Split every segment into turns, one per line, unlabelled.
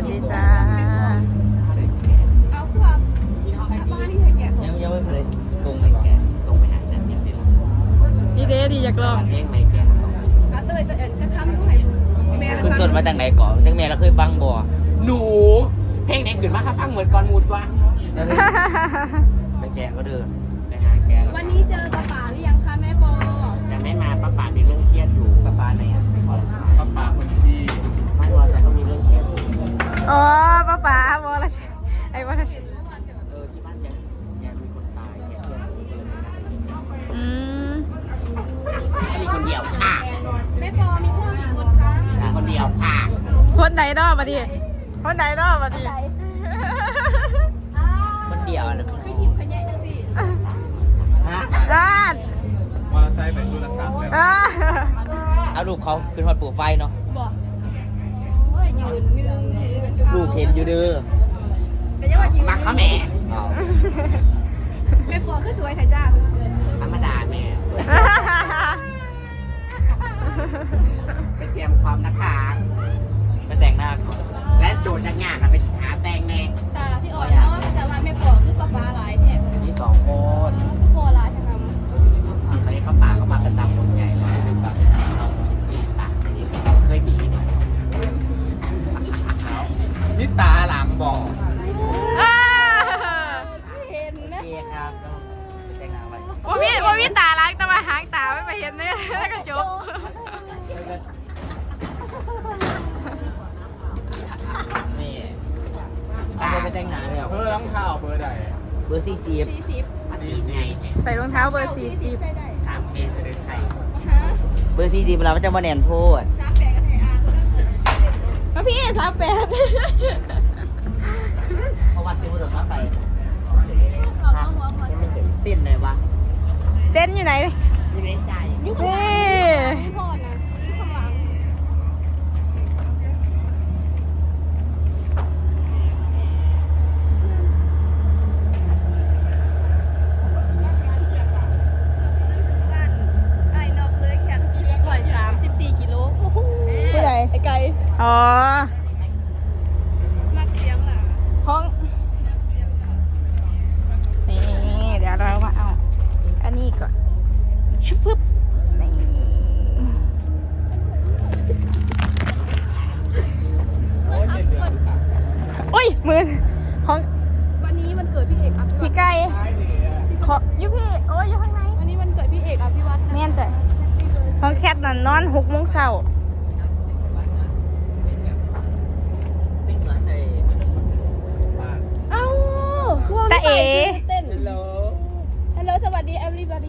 วัสดีจ้า
เอาความบ้านนี่ใครแก่
ยังไม่เคยตรงไปแกตรงไปหาแต่เนี่ยเป็น
พี่เดดีอยากลอง
เพลงไม่แก
เตยจะทำด้วยแม่
คุณต้นมาจากไหนก่อนจากแม่เราเคยฟังบ่หนูเพลงไหนขึ้นมาถ้าฟังเหมือนก่อนมูดวะไปแกก็เดินไปหาแก
วันนี้เจอป้าป๋าหรือยังคะแม่ปอ
ยังไม่มาป้าป่ามีเรื่องเครียดอยู่ป้าป่าไหนอ่ะป้าป่าคนที่บ้านวอชัยต้องมีเรื่องเครียดอยู่
อ๋อป้าวอลชัยไอ้วอลชัย
ที่บ้านแกมีคนตายแกเครียด
อืม
มีคนเดียวค่ะ
แม่ปอมีพ่อกี่คนคะ
คนเดียวค่ะ
คนไหนรอบมาดิคนไหนรอบมาดิ
คนเดียวนะ
คือหยิบขยะจังสิ
ฮะ
จ้าน
มอเตอร์ไซค์เป็นโทรศัพท์แล้ว
อ่า
เอาลูกเขาขึ้นฮอดปูไฟเนาะ
บอกโอ้ยยืนนึง
ลูกเห็นอยู่เด้อ
แต่ยังว่ายืน
มักเขาแม่
แม่ปอคือสวยไทยจ้า
ธรรมดาแม่ไปเตรียมความนะคะไปแต่งหน้าก่อนและโจทย์งานไปหาแต่งแน่
ตาที่อ่อนเนาะแต่ว่าแม่ปอคือป้าป๋าหลายแท้
มี2 คน
คือพอหลายแท้ครับ
ตอนนี้ป้าป่าก็มาประจำคนใหญ่แล้วแบบน้องจีป่าเคยบีบนี่ตาหลังบอก
เห็นนะ
เอครับไปแต่งหน้าไป
ว่ามีตาล้างแต่ว่าหางตาไม่ไปเห็นเนี่ยแล้วก็จบ
นี่ตาไปแต่งหน้าแล้ว
เบอร์รองเท้าเบอร์ใด
เบอร์40
40
อันนี้ไง
ใส่รองเท้าเบอร์
ใช่ได้
3 เอจะได้ใส่
ฮะ
เบอร์40เวลามันจะมาแนนโพด
38กันไทยอาก็ได้
40มาพี่38
เพราะว่าติวเดี๋ยวมาไป
เอาหัวพอ
เต้นไหนวะ
เต้นอยู่ไหน
ยังไม่ใจ
ยุค
นี่
ไม่พอนะยุคข้างหลังไอ้นอกเลยแค่134 กิโล
ผู้ใด
ไอ้ไก่
อ๋อ
มักเสียงล่ะ
ห้องนี่เดี๋ยวเรามาเอาอันนี้ก่อนชุบปึ๊บนี่ อุ้ยมือของ
วันนี้มันเกิดพี่เอกอภิวั
พี่
ต
ไก่ขอยุพี่โอ้ยอยู่ข้างใน
วันนี้มันเกิดพี่เอกอภิวัตนะ
แม่นจ้ะของแคทนั่นนอน6 โมงเช้า
เป็นเหมือนใน
เอ้า
ตาเอ๋
เต้นฮัลโหลฮัลโหลสวัสดี everybody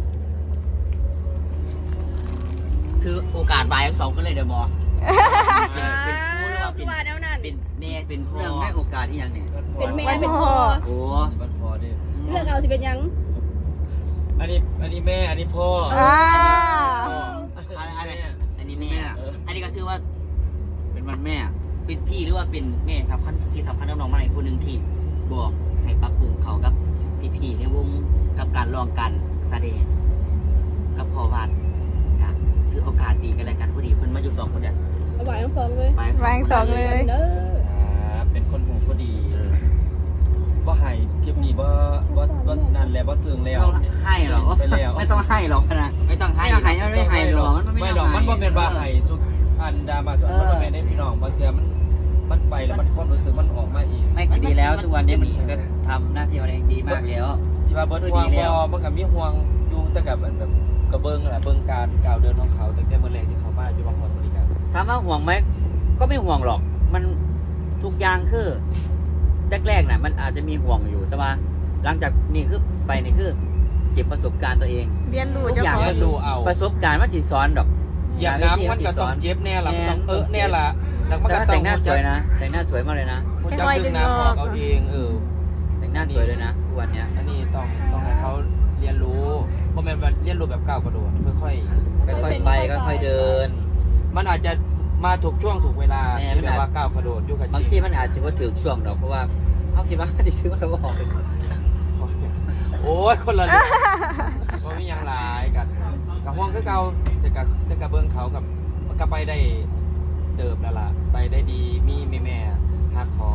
คือโอกาสวายทั้งสองก็เลยเดี๋ยวบอกเป็นครูหรือว่า
คือว่าแนวนั้น
เป็นแม่เป็นพ่อเรื่องให้โอกาสที่ยังเนี่ย
เป็นแม่เป็นพ่อ
โอ้
มันพอดิ
เลือกเอาสิเป็นยัง
อันนี้แม่ อันนี้พ่อ
อ่า
อันนี้แม่ อันนี้ก็ชื่อว่า เป็นวันแม่เป็นพี่หรือว่าเป็นแม่สำคัญที่สำคัญน้องๆมาอีกคนหนึ่งที่บอกให้ปรับปรุงเขากับพี่ๆในวงกับการลองกันแสดงกับพ่อวาดกับถือโอกาสดีกันแล้วกันพอดีเพิ่นมาอยู่2 คนเนี่ย
เอาไหวทั้งสองเลย
ไป
วางสองเลย
เด้อ
เป็นคนหูพอดีบ่ให้คลิปนี้บ่นั่นแหละบ่ซึ้งแล้ว
ต้องให้หรอ
ไปแล้ว
ไม่ต้องให้หรอกนะไม่ต้องให้ให้ไม่ให้หรอกมัน
ไม่หรอกมันบ่แม่นว่าให้สุดอันดามาสุดมันบ่แม่นได้พี่น้องบางเทื่อมันไปแล้วมันความรู้สึกมันออกมาอีก
ไม่ดีแล้วทุกวันนี้มันก็ทำหน้าที่เราเองดีมากแล้ว
สิว่าเบิดห่วงบ่มันก็มีห่วงอยู่แต่กับแบบกระเบิ่งแหละเบิ่งการก้าวเดินของเขาตั้งแต่เมื่อแรกที่เขามาอยู่บางคนบริการ
ถามว่าห่วงไหมก็ไม่ห่วงหรอกมันทุกอย่างคือแรกๆน่ะมันอาจจะมีห่วงอยู่แต่ว่าหลังจากนี่คือไปนี่คือเก็บประสบการณ์ตัวเอง
เรียนรู้
ทุก
เจ้า
อย่าง
ของ
เรียนรู้เอา
ประสบการณ์มันสิสอนดอก
อย่างน้ำมันก็ต้องเจ็บแน่ล่ะมันต้องแน่ล่ะแล้วมัน
แต่
ก็
ถ้า
ต้อ
แต่
ง
งหน้าสวยนะแต่งหน้าสวยมากเลยนะ
มันจะดึงน้ำออกเอาเอง
แต่งหน้าสวยเลยนะทุกวันเนี้ย
อันนี้ต้องให้เขาเรียนรู้เพราะมันเรียนรู้แบบก้าวกระโดดค่อย
ค่อยๆไปค่อยๆเดิน
ๆมันอาจจะมาถูกช่วงถูกเวลา
แน่
ที่แบบว่าก้าวกระโดดอยู่กับบ
างทีมันอาจจะว่าถือช่วงดอกเพราะว่าเขาคิดว่าจะซื้อมาเขาบอก
โอ้ยคนละเรื่องว่ามีอย่างหลายกันกับห้องคือเก่าแต่กับเบิ้งเขากับมันก็ไปได้เติบแล้วล่ะไปได้ดีมีแม่หักคอ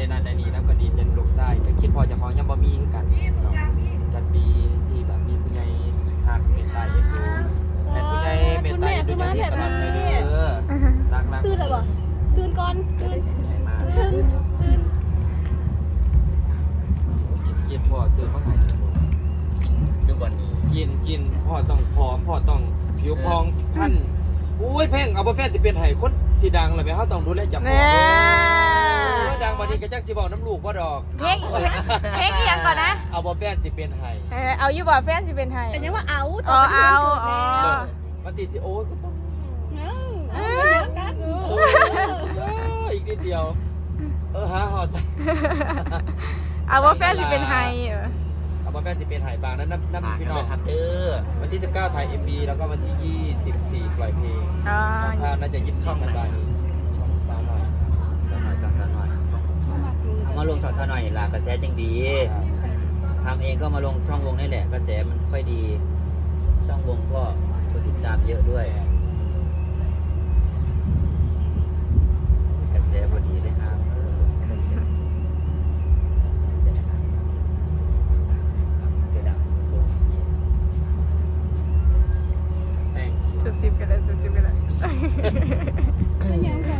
นั่นได้นี่แล้วก็ดีใจลูกชายก็คิดพอจะของยังบ่มีคือกันกันดีที่แบบมีผู้ใหญ่หักเมตตาเอ็นดูแต่ผู้ใหญ่เมตตาเอ็นดูจังซี่ตลอดเลยเด้อรัก
ตื่นแล้วบ่ตื่นก่อนตื่น
มา
ตื่น
กินพ่อซื้อมาให้
ทุกวันนี้
กินพ่อต้องผอมพ่อต้องผิวพองพันอุ้ยแพงเอาบ่แฟนสิเป็นไห้คนสิดังล่ะแม่เฮาต้องดูแลจับพ่อ
แน่
ดังบัดนี้ก็จักสิเว้าน้ำลูกบ่ดอก
เพลงอีหยังก่อนนะ
เอาบ่แฟนสิเป็นไห้
เอาอยู่บ่แฟนสิเป็นไทย
แต่ยังว่าเอา
อ๋อเอาอ๋อ
ปฏิสิโอ้ยก็ต้อง
กัน
อีกนิดเดียวหาหอดใส่
เอาว่าแฟนสิเป็นไทย
เอาบ่แฟนสิเป็นไห้บางนั้นน้ำ
ฝาก
พี่
กัน
น้อ
ด้ว
ง
ยครับเด้อ
วันที่19ถ่าย MV แล้วก็วันที่24ปล่อยเพลง
อ๋อ
ถ้าน่าจะ24กันได้ช่องสาวหน่อย
ช่องซะหน่อยเอามาลงช่องซะหน่อยล่ะกระแสจังดีทำเองก็มาลงช่องวงนี่แหละกระแสมันค่อยดี ช่องวงก็คนติดตามเยอะด้วยกระแสพอดีเลยครับเสร็จแล้ว
แป้ง
จุดสิบกันเลยจุดสิบกันเลย
ยังกัน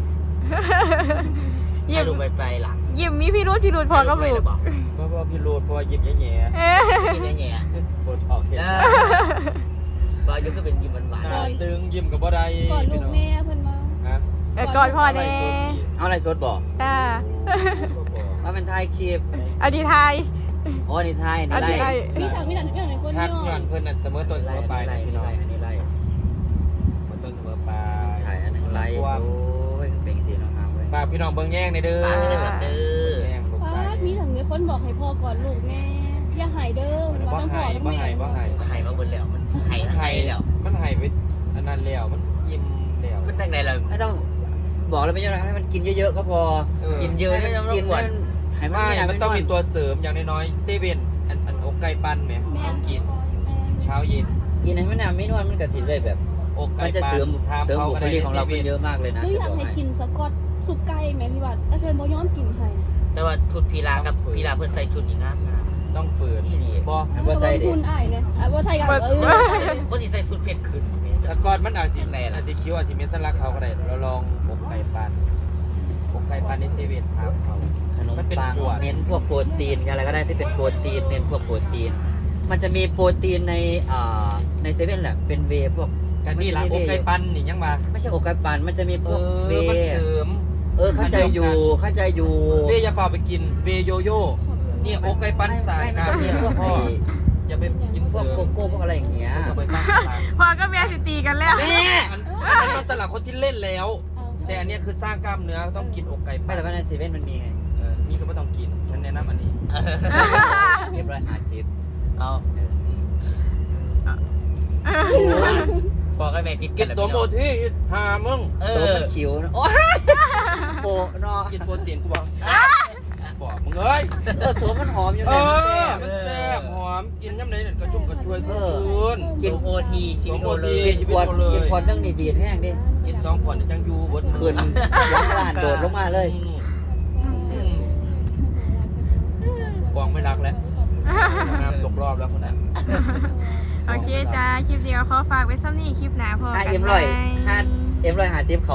ยิ้
ให้
ม
ลุงไปหลัง
ยิ้มมีพี่รุธพอกับลูก
เพราะว่าพี่โรดเพราะว่ายิ้มแย่
กินแง่
ๆโบทอกเห็น
บายุก็เป็นยิ้มหวาน
หน้าตึงยิ้มกับบ่ได้
ก่อนลูกแม่เพิ่นมา
ฮะ
ก่อนพ่อแน่
ๆเอาอะไรสดบอก
จ้า
ว่าเป็นไทยคลิป
อดีไทย
อ๋อนี่ไทย
อ
นี่
ดีไท
ไล่
ย
มีถังในคน
ทัก
ย่
ย้อนเพิ่นน่ะเสมอต้นเสมอปลายนะพี่น้อง
อันนี้ไล่
เสมอต้นเสมอปลาย
ถ่ายอันนึงไล่โอ้ยเป็นสีน้องน้ำเว้ย
ฝากพี่น้องเบิ่งแย่งในเด้อ
ฝากให้ได้เด้อ
แย่งลูก
ป้า
ชาย
มีถังในคนบอกให้พ่อก่อนลูกแม่อย่าหายเด้อ
บ่
ว่าทั้งพ่
ให้
อทั้ง
บ่
แม่
ให้บ่ให้
ไข่มาบนแล้วมันไข่แล้ว
มันให้ไปอันนั้นแล้วมันยิ้มแล้ว
มันตั้งไหนเราไม่ต้องบอกเลยไม่ใช่ให้มันกินเยอะๆก็พอ กินเยอะให้มันกินให้มัน
ไม่มันต้องมีตัวเสริมอย่างน้อยๆเซเว่นอันอกไก่ปั้นไหมต้องกินเช้าเย็น
กินให้มันไม่นวลมันกระสิเลยแบบ
อกไก่
มันจะ
ปั้น
เสริม
ทาม
เสริม
เขา
บุ
ก็
ค
ได้
ลิก
ใน
ของ
เซ
เรา
เว่
เป็น
น
เยอะมากเลยนะ
หรืออยากให้กินสกอตสุปไก่แม่พี่บัดแต่เพิ่นบ่ยอมกินให้
แต่ว่าชุดพีลากับพีลาเพื่อนใส่ชุดอีกนะ
ต้องฝืน
นี่นี่
บ่
ว่าใส่เด็
คุณอ้ายเนี่ยบ่ใส่กัน
คนที่ใส่ชุดเพชรขึ้น
แต่ก่อนมันอาจจะอาจจะคิ้วอาจจะเมนสลักเขาก็ได้เราลองอกไก่ปั้นอกไก่ปั้นในเซเว่นทามเขา
ขนมปังเน้นพวกโปรตีนอะไรก็ได้ที่เป็นโปรตีนเน้นพวกโปรตีน มันจะมีโปรตีนในเซเว่นแหละเป็นเวย์พวก
กันนี่ละอกไก่ปั้นนี่ยังมา
ไม่ใช่อกไก่ปั่นมันจะมีพวกเว
มัน
ย์
เสริม
เข้าใจอยู่
เวย์อย่าฝ่าไปกินเวย์โยโย่นี่อกไก่ปั้นสายการ
มี
เนี่ย
พวก
พ่ออย่าไปกิน
พ
เส
ว
ริ
ก
ม
โกโก้พวกอะไรอย่างเงี้ย
เอาไปปั้นสลัก
พ่อก็แม่สิตีกันแล้ว
แม่
อันนั้นมันสลักคนที่เล่นแล้ว แต่อันเนี้ยคือสร้างกล้ามเนื้อต้องกินอกไก่
ไม่
ปั้น
แต่ว่าในเซเว่นมันมีไง
นี่ก็ไม่ต้องกินฉันแนะนำอันนี้
เรียบร้อย50เอาพอก็แม่คิด
กินตัวโมที่หามึง
ตัวมันคิวนะโอ้ยโปนอ
กินโปรตีนกูบอกบอกมึงเอ้ย
ตัวมันหอมอยู่
เอ
นะ
อมันแซ่บหอมกินย่ำไหนกระชุ่มกระชวยชื้น
กินโอทีชีวิตโอเลย
ชีวิ
กิ
ต
น
โอเลย
กินพอเรื่องนี่ดีดแห้งดิ
กิน2 ขวดจังยูบด
คืนล้างร้านโดดลงมาเลย
กองไม่รักแล้วน้ำตกรอบแล้วคนนั้น
โอเคจ้า คลิปเดียวขอฝากไว้ซ้ำนี่คลิปหนาพอกัน
5M150เขา